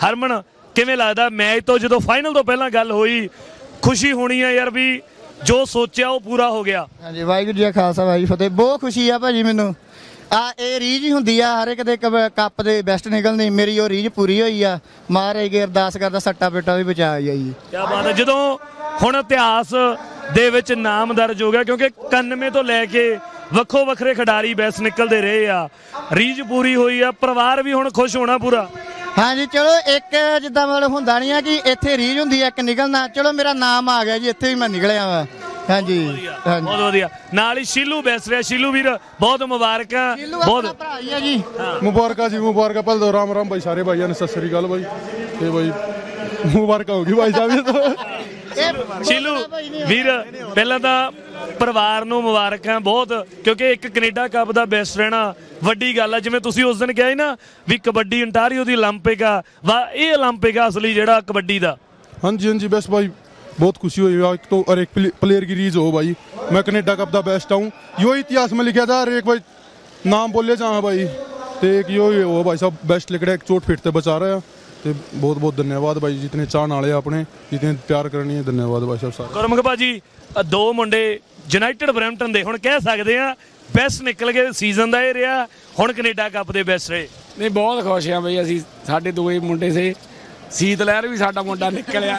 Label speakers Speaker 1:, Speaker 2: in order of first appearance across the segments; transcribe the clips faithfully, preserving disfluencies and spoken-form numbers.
Speaker 1: ਹਰਮਨ ਕਿਵੇਂ ਲੱਗਦਾ ਮੈਚ ਤੋਂ ਜਦੋਂ ਫਾਈਨਲ ਤੋਂ ਪਹਿਲਾਂ ਗੱਲ ਹੋਈ ਖੁਸ਼ੀ ਹੋਣੀ ਆ ਯਾਰ ਵੀ ਜੋ ਸੋਚਿਆ ਉਹ ਪੂਰਾ ਹੋ ਗਿਆ।
Speaker 2: ਹਾਂਜੀ ਵਾਹਿਗੁਰੂ ਜੀ ਕਾ ਖਾਲਸਾ ਵਾਹਿਗੁਰੂ ਜੀ ਫਤਿਹ। ਬਹੁਤ ਖੁਸ਼ੀ ਆ ਭਾਜੀ ਮੈਨੂੰ। ਆ ਇਹ ਰੀਝ ਹੀ ਹੁੰਦੀ ਆ ਹਰ ਇੱਕ ਦੇ ਕੱਪ ਦੇ ਬੈਸਟ ਨਿਕਲਣੀ। ਮੇਰੀ ਉਹ ਰੀਝ ਪੂਰੀ ਹੋਈ ਆ। ਮਹਾਰਾਜ ਅੱਗੇ ਅਰਦਾਸ ਕਰਦਾ ਸੱਟਾ ਪੇਟਾ ਵੀ ਬਚਾ ਆਈ ਜੀ।
Speaker 1: ਕੀ ਬਾਤ ਹੈ। ਜਦੋਂ ਹੁਣ ਇਤਿਹਾਸ ਦੇ ਵਿੱਚ ਨਾਮ ਦਰਜ ਹੋ ਗਿਆ ਕਿਉਂਕਿ ਇਕਾਨਵੇਂ ਤੋਂ ਲੈ ਕੇ ਵੱਖੋ ਵੱਖਰੇ ਖਿਡਾਰੀ ਬੈਸਟ ਨਿਕਲਦੇ ਰਹੇ ਆ, ਰੀਝ ਪੂਰੀ ਹੋਈ ਆ, ਪਰਿਵਾਰ ਵੀ ਹੁਣ ਖੁਸ਼ ਹੋਣਾ ਪੂਰਾ।
Speaker 2: ਹਾਂਜੀ ਚਲੋ ਇੱਕ ਜਿੱਦਾਂ ਮਤਲਬ ਹੁੰਦਾ ਨਹੀਂ ਆ ਕਿ ਇੱਥੇ ਰੀਝ ਹੁੰਦੀ ਆ ਇੱਕ ਨਿਕਲਣਾ। ਚਲੋ ਮੇਰਾ ਨਾਮ ਆ ਗਿਆ ਜੀ, ਇੱਥੇ ਵੀ ਮੈਂ ਨਿਕਲਿਆ ਵਾ। ਹਾਂਜੀ ਹਾਂਜੀ
Speaker 1: ਬਹੁਤ ਵਧੀਆ। ਨਾਲ ਹੀ ਸ਼ੀਲੂ ਬੈਸ ਰਿਹਾ। ਸ਼ੀਲੂ ਵੀਰ ਬਹੁਤ ਮੁਬਾਰਕਾਂ। ਬਹੁਤ
Speaker 2: ਭਰਾ ਹੀ ਆ ਜੀ।
Speaker 3: ਮੁਬਾਰਕਾਂ ਜੀ ਮੁਬਾਰਕਾਂ। ਪਹਿਲ ਦੋ ਰਾਮ ਰਾਮ ਭਾਈ ਸਾਰੇ ਭਾਈਆਂ ਨੇ, ਸਤਿ ਸ੍ਰੀ ਅਕਾਲ ਭਾਈ। ਤੇ ਭਾਈ ਮੁਬਾਰਕਾਂ ਹੋਗੀ ਭਾਈ ਸਾਹਿਬ।
Speaker 1: ਸ਼ੀਲੂ ਵੀਰ ਪਹਿਲਾਂ ਤਾਂ ਪਰਿਵਾਰ ਨੂੰ ਮੁਬਾਰਕਾਂ ਬਹੁਤ, ਕਿਉਂਕਿ ਇੱਕ ਕੈਨੇਡਾ ਕੱਪ ਦਾ ਬੈਸਟ ਰਹਿਣਾ ਵੱਡੀ ਗੱਲ ਆ। ਜਿਵੇਂ ਤੁਸੀਂ ਉਸ ਦਿਨ ਕਿਹਾ ਸੀ ਨਾ ਵੀ ਕਬੱਡੀ ਅੰਟਾਰੀਓ ਦੀ ਓਲੰਪਿਕ ਆ, ਵਾ ਇਹ ਓਲੰਪਿਕ ਆ ਅਸਲੀ ਜਿਹੜਾ ਕਬੱਡੀ ਦਾ।
Speaker 3: हाँ जी हाँ जी बस भाई बहुत खुशी हुई। एक तो और एक प्लेयर की रीज हो भाई, मैं कनेडा कप दा बेस्ट हूँ। यो इतिहास में लिखा था और एक भाई नाम बोले जहाँ भाई तो एक यो हो भाई साहब बेस्ट लिखड़ा एक चोट फिट से बचा रहा है। तो बहुत बहुत धन्यवाद भाई जितने चाहने वाले अपने जितने प्यार करनी है। धन्यवाद भाई साहब सारे।
Speaker 1: ਗੁਰਮੁਖ ਭਾਜੀ ਦੋ ਮੁੰਡੇ ਯੂਨਾਈਟਿਡ ਬਰੈਂਪਟਨ ਦੇ ਹੁਣ ਕਹਿ ਸਕਦੇ ਆ ਬੈਸਟ ਨਿਕਲ ਗਏ। ਸੀਜ਼ਨ ਦਾ ਇਹ ਰਿਹਾ, ਹੁਣ ਕੈਨੇਡਾ ਕੱਪ ਦੇ ਬੈਸਟ ਰਹੇ।
Speaker 4: ਨਹੀਂ ਬਹੁਤ ਖੁਸ਼ ਆ ਬਈ ਅਸੀਂ। ਸਾਡੇ ਦੋਵੇਂ ਮੁੰਡੇ ਸੇ ਸੀਤ ਲਹਿਰ ਵੀ ਸਾਡਾ ਮੁੰਡਾ ਨਿਕਲਿਆ।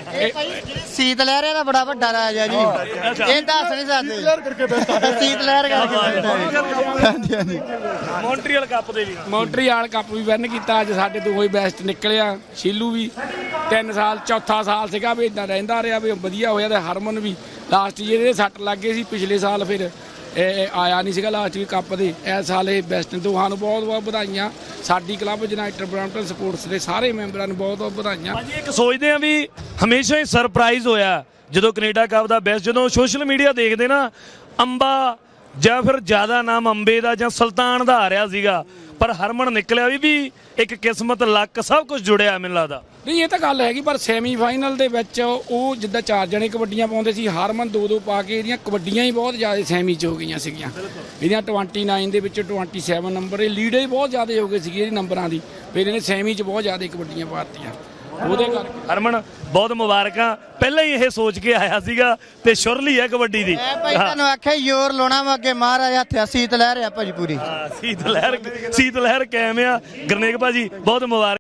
Speaker 2: ਸੀਤ ਲਹਿਰ ਦਾ ਬੜਾ ਵੱਡਾ ਰਾਜ ਆ ਜੀ। ਇਹ ਦੱਸ ਨਹੀਂ ਸਕਦੇ ਸੀਤ ਲਹਿਰ ਕਰਕੇ। ਹਾਂਜੀ ਹਾਂਜੀ
Speaker 1: ਮੌਂਟਰੀਅਲ ਕੱਪ ਦੇ ਵੀ
Speaker 4: ਮੌਂਟਰੀਅਲ ਕੱਪ ਵੀ ਵਿਨ ਕੀਤਾ। ਅੱਜ ਸਾਡੇ ਦੋਵੇਂ ਹੀ ਬੈਸਟ ਨਿਕਲਿਆ। ਸ਼ੀਲੂ ਵੀ ਤਿੰਨ ਸਾਲ ਚੌਥਾ ਸਾਲ ਸੀਗਾ ਵੀ ਇਦਾਂ ਰਹਿੰਦਾ ਰਿਹਾ ਵੀ ਵਧੀਆ ਹੋਇਆ। ਤੇ ਹਰਮਨ ਵੀ ਲਾਸਟ ਜਿਹਦੇ ਸੱਟ ਲੱਗ ਗਏ ਸੀ ਪਿਛਲੇ ਸਾਲ, ਫਿਰ ਇਹ ਆਇਆ ਨਹੀਂ ਸੀਗਾ ਲਾਸਟ ਵੀ ਕੱਪ ਦੇ। ਇਸ ਸਾਲ ਇਹ ਬੈਸਟ ਦੋਹਾਂ ਨੂੰ ਬਹੁਤ ਬਹੁਤ ਵਧਾਈਆਂ। ਸਾਡੀ ਕਲੱਬ ਯੂਨਾਈਟਿਡ ਬਰੈਂਪਟਨ ਸਪੋਰਟਸ ਦੇ ਸਾਰੇ ਮੈਂਬਰਾਂ ਨੂੰ ਬਹੁਤ ਬਹੁਤ ਵਧਾਈਆਂ।
Speaker 1: ਭਾਜੀ ਇੱਕ ਸੋਚਦੇ ਆ ਵੀ ਹਮੇਸ਼ਾ ਹੀ ਸਰਪ੍ਰਾਈਜ਼ ਹੋਇਆ ਜਦੋਂ ਕੈਨੇਡਾ ਕੱਪ ਦਾ ਬੈਸਟ, ਜਦੋਂ ਸੋਸ਼ਲ ਮੀਡੀਆ ਦੇਖਦੇ ਨਾ ਅੰਬਾ ਜਾਂ ਫਿਰ ਜ਼ਿਆਦਾ ਨਾਮ ਅੰਬੇ ਦਾ ਜਾਂ ਸੁਲਤਾਨ ਦਾ ਆ ਰਿਹਾ ਸੀਗਾ, ਪਰ ਹਰਮਨ ਨਿਕਲਿਆ ਵੀ ਵੀ ਇੱਕ ਕਿਸਮਤ ਲੱਕ ਸਭ ਕੁਝ ਜੁੜਿਆ ਮੈਨੂੰ ਲੱਗਦਾ।
Speaker 4: ਨਹੀਂ ਇਹ ਤਾਂ ਗੱਲ ਹੈਗੀ, ਪਰ ਸੈਮੀਫਾਈਨਲ ਦੇ ਵਿੱਚ ਉਹ ਜਿੱਦਾਂ ਚਾਰ ਜਣੇ ਕਬੱਡੀਆਂ ਪਾਉਂਦੇ ਸੀ, ਹਰਮਨ ਦੋ ਦੋ ਪਾ ਕੇ ਇਹਦੀਆਂ ਕਬੱਡੀਆਂ ਹੀ ਬਹੁਤ ਜ਼ਿਆਦਾ ਸੈਮੀ 'ਚ ਹੋ ਗਈਆਂ ਸੀਗੀਆਂ। ਇਹਦੀਆਂ ਉਨਤਾਲੀ ਦੇ ਵਿੱਚ ਸੱਤਾਈ ਨੰਬਰ ਇਹ ਲੀਡ ਹੀ ਬਹੁਤ ਜ਼ਿਆਦਾ ਹੋ ਗਏ ਸੀਗੇ ਇਹਦੀ ਨੰਬਰਾਂ ਦੀ। ਫਿਰ ਇਹਨੇ ਸੈਮੀ 'ਚ ਬਹੁਤ ਜ਼ਿਆਦਾ ਕਬੱਡੀਆਂ ਪਾਤੀਆਂ ਉਹਦੇ ਕਰਕੇ।
Speaker 1: ਹਰਮਨ ਬਹੁਤ ਮੁਬਾਰਕਾਂ। ਪਹਿਲਾਂ ਹੀ ਇਹ ਸੋਚ ਕੇ ਆਇਆ ਸੀਗਾ ਤੇ ਸ਼ੁਰਲੀ ਹੈ ਕਬੱਡੀ ਦੀ।
Speaker 2: ਮੈਂ ਭਾਈ ਤੁਹਾਨੂੰ ਆਖਿਆ ਜ਼ੋਰ ਲਾਉਣਾ ਵਾ ਅੱਗੇ ਮਹਾਰਾਜ ਹੱਥ ਸੀਤ ਲਹਿਰ ਆ ਭਾਜੀ ਪੂਰੀ।
Speaker 1: ਸੀਤ ਲਹਿਰ ਸੀਤ ਲਹਿਰ ਕਾਇਮ ਆ। ਗਰਨੇਕ ਭਾਜੀ ਬਹੁਤ ਮੁਬਾਰਕ।